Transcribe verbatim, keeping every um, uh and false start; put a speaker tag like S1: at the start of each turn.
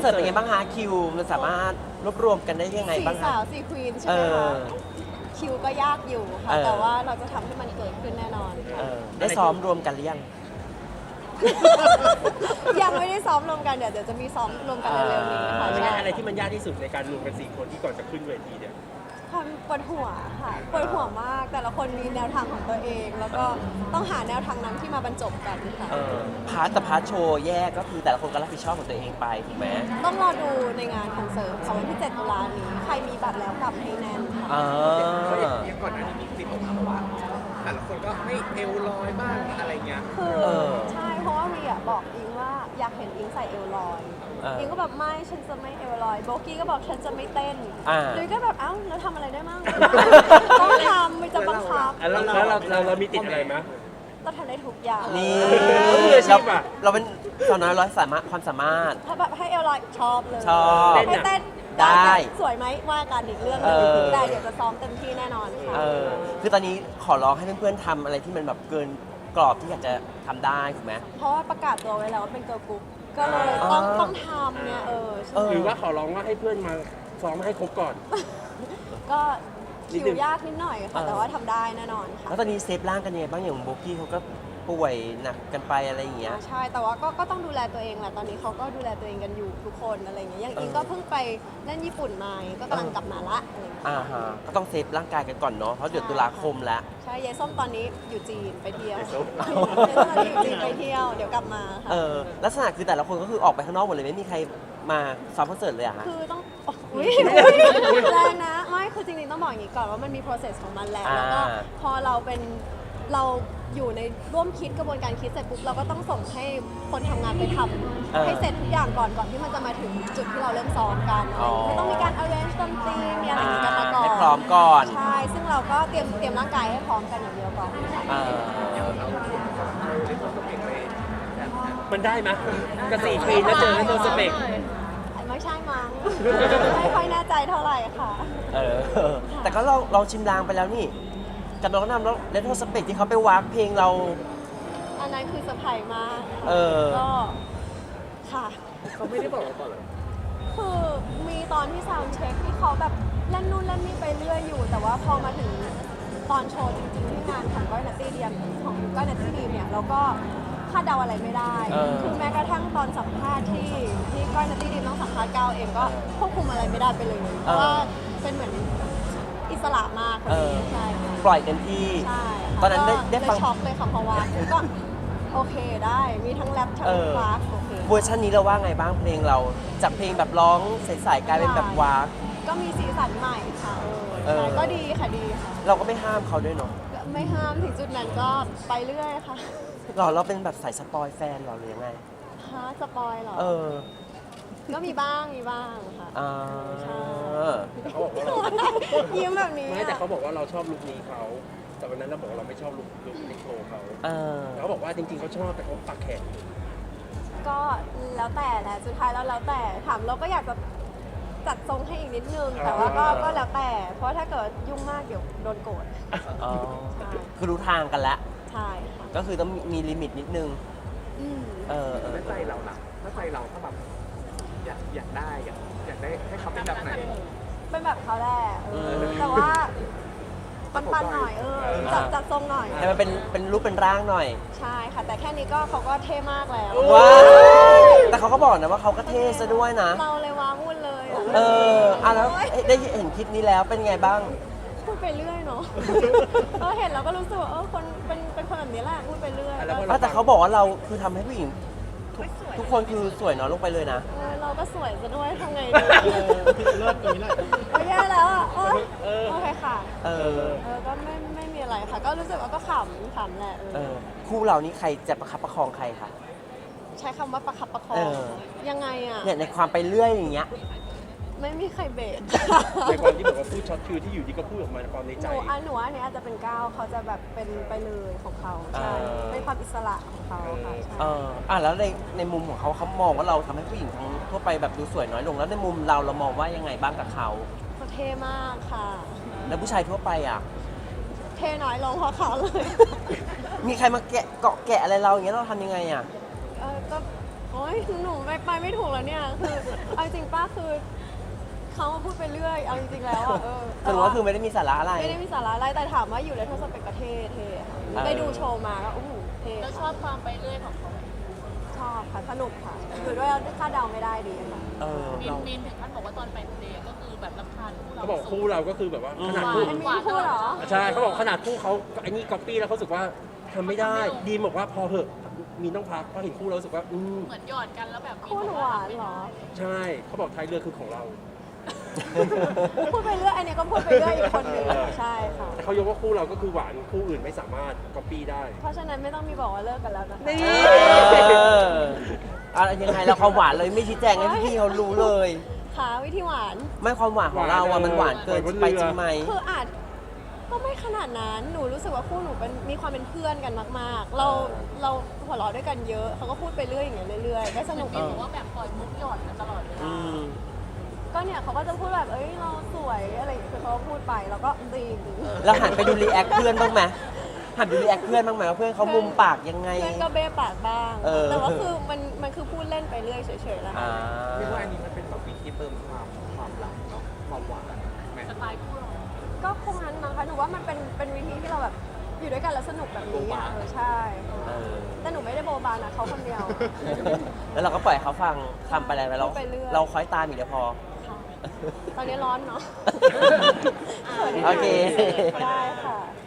S1: เสิร์ตเป็นไงบ้างฮะคิวมันสามารถรวบรวมกันได้ยังไง
S2: สี่
S1: บ้าง
S2: สา
S1: ฮะ
S2: วสี่ควีนใช่ไหมคะคิวก็ยากอยู่ค่ะ
S1: เออ
S2: แต่ว่าเราจะทำให้มันเกิดขึ้นแน่นอน
S1: เออได้ซ้อมรวมกันหรือยัง
S2: ยังไม่ได้ซ้อมรวมกันเดี๋ยวเดี๋ยวจะมีซ้อมรวมกันเร็วๆนี้ค่ะ
S3: ไม่
S2: ใช่
S3: งั้นอะไรที่มันยากที่สุดในการรวมกันสี่คนที่ก่อนจะขึ้นเวทีเนี่ย
S2: ความปวดหัวค่ะปวดหัวมากแต่ละคนมีแนวทางของตัวเอง แล้วก็ต้องหาแนวทางนั้นที่มาบรรจบกันค่ะ
S1: เออพาร์ทแต่พาร์ทโชว์แยกก็คือแต่ละคนก็รับผิดชอบของตัวเองไปถูกไหม
S2: ต้องรอดูในงานคอนเสิร์ตค่ะวันที่เจ็ดตุลานี้ใครมีบัตรแล้วกลับให้แน่นค่ะ
S1: อ่า
S4: ก็อย่างอย่างก่อนหน้านี้มีคลิปออกมาบอกว่าแต่ละคนก็ไม่เอวลอยบ้างอะไรเงี้ย
S2: คือ
S1: เออ
S2: ใช่เพราะว่าวีอ่ะบอกอิงว่าอยากเห็นอิงใส่เอวลอย
S1: เอออิ
S2: อิงก็แบบไม่ฉันจะไม่เอวลอยโบกี้ก็บอกฉันจะไม่เต้น
S1: อ่า
S2: เลยก็แบบเอ้าแล้วทำอะไรได้มั่ง ต้องทำไม่จะบังคับ
S3: อ่ะแล้วแล้วเราเราเรามีติดอะไรไหม
S2: ก็ทำได้ทุกอย่าง
S1: นี่
S3: มืออาชีพอะ
S1: เราเป็นสาวน้อยร้อยสามารถความสามารถ
S2: ถ้าแบบให้เอวลอยชอบเลย
S1: ชอบ
S2: ให้เต้น
S1: ได้
S2: สวยไหมว่ากันอีกเรื่องห
S1: เอ
S2: นึง
S1: อ
S2: แต่เดี๋ยวจะซ้อมเต็มที่แน่นอนค่ะ
S1: เออคือตอนนี้ขอร้องให้เพื่อนๆทำอะไรที่มันแบบเกินกรอบที่อยากจะทำได้ถูกไหม
S2: เพราะว่าประกาศตัวไว้แล้วว่าเป็นเกิร์ลกรุ๊ปก็เลยต้อง
S1: อ่า
S2: ต้องทำเนี่ยเออใช่
S1: เออ
S3: หรือว่าขอร้องว่าให้เพื่อนมาซ้อมให้ครบก่อน
S2: ก็
S3: นิด
S2: คิ
S3: นึ
S2: ว
S3: ง
S2: ยากนิดหน่อย
S1: เอ
S2: ค่ะ
S1: อ
S2: แต่ว่าทำได้แน่นอนค่ะ
S1: แล้วตอนนี้เซฟร่างกันยังไงบ้างอย่างโบกี้เขาก็ป่วยหนักกันไปอะไรอย่างเงี้ย
S2: อ่าใช่แต่ว่าก็ก็ต้องดูแลตัวเองแหละตอนนี้เขาก็ดูแลตัวเองกันอยู่ทุกคนอะไรอย่างเงี้ยอย่างอิง
S1: เออ
S2: ก็เพิ่งไปเล่นญี่ปุ่นมาก็กำลังกลับมาละอะไรอย่างเงี้ย
S1: อ่าฮะก็ต้องเซฟร่างกายกันก่อนเนาะเพราะเดือนตุลาคมแล้ว
S2: ใช่ยายส้มตอนนี้อยู่จีนไปเที่ยวย
S3: ายส้ม
S2: ยายส้มตอนนี้อยู่จีนไปเที่ยวเดี๋ยวกลับมาค่ะ
S1: เออลักษณะคือแต่ละคนก็คือออกไปข้างนอกหมดเลยไม่มีใครมาซ้อมคอนเสิร์ตเลยอะฮะ
S2: คือต้องอุ้ยแรงนะไม่คือจริงๆต้องบอกอย่างนี้ก่อนว่ามันมี process ของมันแหละแล้วก็
S1: อ่า
S2: พอเราเป็นเราอยู่ในร่วมคิดกระบวนการคิดเสร็จปุ๊บเราก็ต้องส่งให้คนทำงานไปทำให้เสร็จทุกอย่างก่อนก่อนที่มันจะมาถึงจุดที่เราเริ่มซ้อมกันคือต้องมีการ arrange ดนตรีมีอะไรอย่างนี้กันมาก่อน
S1: ให้พร้อมก่อน
S2: ใช่ ซึ่งเราก็เตรียมเตรียมร่างกายให้พร้อมกันอย่างเดียวก่อน
S1: อ่า
S3: มันได้ไหมกระสี่ควีนแล้วเจอให้ตัวสเปก
S2: ไม่ใช่มั้ง ไม่ค่อยแน่ใจเท่าไหร่ค่ะ
S1: เออ แต่ก็เราเราชิมลางไปแล้วนี่กับน้องนำแล้วเลทโทสเปกที่เขาไปวากเพลงเรา
S2: อันนั้นคือเซอร์ไพรส์มาก
S1: เออ
S2: ก็ค่ะ
S4: เขาไม่ได้บอกเราก่อนเหรอ
S2: คือมีตอนที่ซาวด์เช็คที่เขาแบบเล่นนู่นเล่นนี่ไปเรื่อยอยู่ แต่ว่าพอมาถึงตอนโชว์จริงๆที่งานของก้อยนัตตี้เดียมของก้อยนัตตี้ดีมเนี่ยเราก็คาดเดาอะไรไม่ได้
S1: เออ
S2: คือแม้กระทั่งตอนสัมภาษณ์ที่ที่ก้อยนัตตี้ดีมต้องสัมภาษณ์ก้าวเองก็ควบคุมอะไรไม่ได้ไปเลยเพราะว่าเป็นเหมือนอิสระมากคน
S1: เออ
S2: นี้ใช่ค่ะ
S1: ปล่อยเต็มที่
S2: ใช่ค่ะ
S1: ตอนนั้นได้
S2: ก็
S1: ได้ฟัง
S2: เลยช็อกเลยค่ะเพราะว่าก็โอเคได้มีทั้งแรปทั้ง
S1: เออ
S2: ฟาสโอเค
S1: เวอร์ชันนี้เราว่าไงบ้างเพลงเราจากเพลงแบบร้องใสๆกลายเป็นแบบวาก
S2: ก็มีสีสันใหม่ค่ะเอ
S1: เอ
S2: อ
S1: อ
S2: ใช่ก็ดีค่ะดีค่ะ
S1: เราก็ไม่ห้ามเขาด้วยเนาะ
S2: ไม่ห้ามถึงจุดนั้นก็ไปเรื่อยค่ะ
S1: หรอเราเป็นแบบสายสปอยแฟนเหรอหรือยังไง
S2: ฮะสปอยเหรอ
S1: เออ
S2: ก็มีบ้างมีบ้างค่ะ
S1: อ่า
S2: ใช่
S3: แต่เขาบอกว่าเรา
S2: ยิ้มแบบนี้
S3: ไม่แต่
S2: อะ
S3: เขาบอกว่าเราชอบลุคนี้เขาแต่วันนั้นเราบอกว่าเราไม่ชอบลุคลุคในโชว์เขา
S1: เออ
S3: เขาบอกว่าจริงๆเขาชอบแต่เขาปักแขน
S2: ก็แล้วแต่แหละสุดท้ายแล้วแล้วแต่ถามเราก็อยากจะจัดทรงให้อีกนิดนึง แต่ว่าก็ก็แล้วแต่ เพราะถ้าเกิดยุ่งมากเดี๋ยวโดนโกรธ
S1: อ๋อคือรู้ทางกันแล้ว
S2: ใช่ค่ะ
S1: ก็คือต้องมีมีลิมิตนิดนึง
S2: อืม
S1: เออเออ
S4: แล้วใจเราล่ะถ้าใจเราถ้าแบบอยากอยากได้อยากอยากได้ให้เขาเป็นแบบไหน
S2: เป็นแบบเขาแหละเออแต่ว่าปันๆหน่อยเออจัดจัดทรงหน่อย
S1: ให้มันเป็นเป็นรูปเป็นร่างหน่อย
S2: ใช่ค่ะ แต่แค่นี้ก็เขาก็เท่มากแล้ว
S1: ว้าวแต่เขาก็บอกนะว่าเขาก็เท่ซะด้วยนะ
S2: เราเลยว้าวุ่นเลยอะ
S1: เอออ่ะแล้วได้เห็นคลิปนี้แล้วเป็นไงบ้าง
S2: พูดไปเรื่อยเนาะ เออเห็นเราก็รู้สึกว่าเออคนเป็นเป็นคนแบบนี้แหละพูดไปเรื่อย
S3: แล้วพอ
S1: อ่ะแต่เขาบอกว่าเราคือทำให้ผู้หญิงทุกทุกคนคือสวยน้อยลงไปเลยนะ
S2: เออเราก็สวยซะด้วยทำไงดี
S4: เลิศอย่างนี้แหละ
S2: โอ้ยแย่แล้วอ่ะโอ๊ยโอเคค่ะ
S1: เออ
S2: เออก็ไม่ไม่มีอะไรค่ะ ก็รู้สึกว่าก็ขำขำแหละเออ
S1: เออ คู่เรานี่ใครจะประคับประคองใครคะ
S2: ใช้คำว่าประคับประคอ
S1: เอง อ
S2: ยังไงอ่ะ
S1: เนี่ยในความไปเรื่อยอย่างเงี้ย
S2: ไม่มีใครเบรก
S3: ในความที่บอกว่าพูดช็อตคือที่อยู่ดีก็พูดออกมาในความใน
S2: ห
S3: ใจ
S2: นูอันหนูว่าอันนี้อาจจะเป็นก้าวเขาจะแบบเป็นไปเลยของเขาใช่
S1: เออ
S2: เป็นความอิสระของเขาค่ะใช่
S1: เอออ่ะแล้วในในมุมของเขาเขามองว่าเราทำให้ผู้หญิงทั้งทั่วไปแบบดูสวยน้อยลง แล้วในมุมเราเรามองว่ายังไงบ้างกับเขา
S2: เขาเท่มากค่ะ
S1: แล้วผู้ชายทั่วไปอ่ะ
S2: เท่น้อยลงเพราะเขาเลย
S1: มีใครมาแกะเกาะแกะอะไรเราอย่างเงี้ยเราทำยังไงอ่ะ
S2: เออก็โอ๊ยหนูไปไปไม่ถูกแล้วเนี่ยคือเอาจริงป้าคือเขามาพูดไปเรื่อยเอาจริงๆแล้วอ่ะเออ
S1: สรุปว่าคือไม่ได้มีสาระอะไร
S2: ไม่ได้มีสาระอะไรแต่ถามว่าอยู่ในทศเปกประเทศเท่ค่ะ
S1: เออ
S2: ไปดูโชว์มาก็อู้หูเท่
S5: แล้วชอบความไปเรื่อยของเขาไหม
S2: ชอบค่ะสนุกค่ะอยู่ด้วยคาดเดาไม่ได้ดีค่ะ
S1: เออ
S5: มีน
S1: เรา
S5: มีนถึงขั้นบอกว่าตอนไปทะเลก็คือแบบรำคาญคู่เรา
S3: เขาบอกคู่เราก็คือแบบว่าขนาด
S5: หวา
S3: คู่
S5: น
S2: มันมี
S5: หวาน
S2: คู่เหรอ
S3: ใช่เขาบอกขนาดคู่เขาไอ้นี่ก๊อปปี้แล้วเขารู้สึกว่าทำไม่ได้ดีมบอกว่าพอเหอะมีต้องพักเพราะเห็นคู่เรารู้สึกว่าอืม
S5: เหมือนหยอดกันแล้วแบบ
S2: คู่หนูหวานเหรอ
S3: ใช่เขาบอกท้ายเรือคือของเรา
S2: พูดไปเรื่อยอันนี้ก็พูดไปเรื่อยอีกคนนึงใช่ค่ะ
S3: แต่เขายกว่าคู่เราก็คือหวานคู่อื่นไม่สามารถก๊อปปี้ได้
S2: เพราะฉะนั้นไม่ต้องมีบอกว่าเลิกกันแล้วนะคะ
S3: นี่
S1: เอออะไรยังไงเราความหวานเลยไม่ชี้แจงให้พี่ๆเขารู้เลย
S2: ค่ะวิธีหวาน
S1: ไม่ความหวานของเราอะมันหวานเกินไปจริงไหม
S2: คืออาจก็ไม่ขนาดนั้น หนูรู้สึกว่าคู่หนูเป็นมีความเป็นเพื่อนกันมาก ๆ เราเราหัวเราะด้วยกันเยอะ เขาก็พูดไปเรื่อยอย่างเงี้ยเรื่อยๆก็สนุก
S5: มีน
S2: ดี
S5: บอกว่าแบบปล่อยมุกหยอดกันตลอดเว
S1: อื
S5: ลาม
S2: ก็เนี่ยเขาก็จะพูดแบบ เอ้ยเราสวยอะไรอย่างเงี้ยคือเขาก็พูดไปแล้วก็ดีดี
S1: แล้วหันไปดูรีแอคเพื่อนบ้างไหมหันไปดูรีแอคเพื่อนบ้างไหมว่าเพื่อนเขามุมปากยังไง
S2: เพื่อนก็เบ้ปากบ้าง
S1: เออ
S2: แต่ว่าคือมันมันคือพูดเล่นไปเรื่อยเฉยๆแล้ว
S1: อ่า
S4: เรียกว่าอันนี้มันเป็นแบบวิธีเติมความความรักเนาะความหวานแม่
S5: สไตล์คู่เรา
S2: ก็คงนั้นมั้งคะหนูว่ามันเป็นเป็นวิธีที่เราแบบอยู่ด้วยกันแล้วสนุกแบบนี้อ่ะเออใช่
S1: เออ
S2: แต่หนูไม่ได้โบบานะเขาคนเดียว
S1: แล้วเราก็ปล่อยเขาฟังทำไปอะไรไปเรา
S2: พูดไปเรื่อย
S1: เราคอยตามอีกเดียวพอ
S2: ค่ะตอนนี้ร้อนเนาะ
S1: โอเค
S2: ได้ค่ะ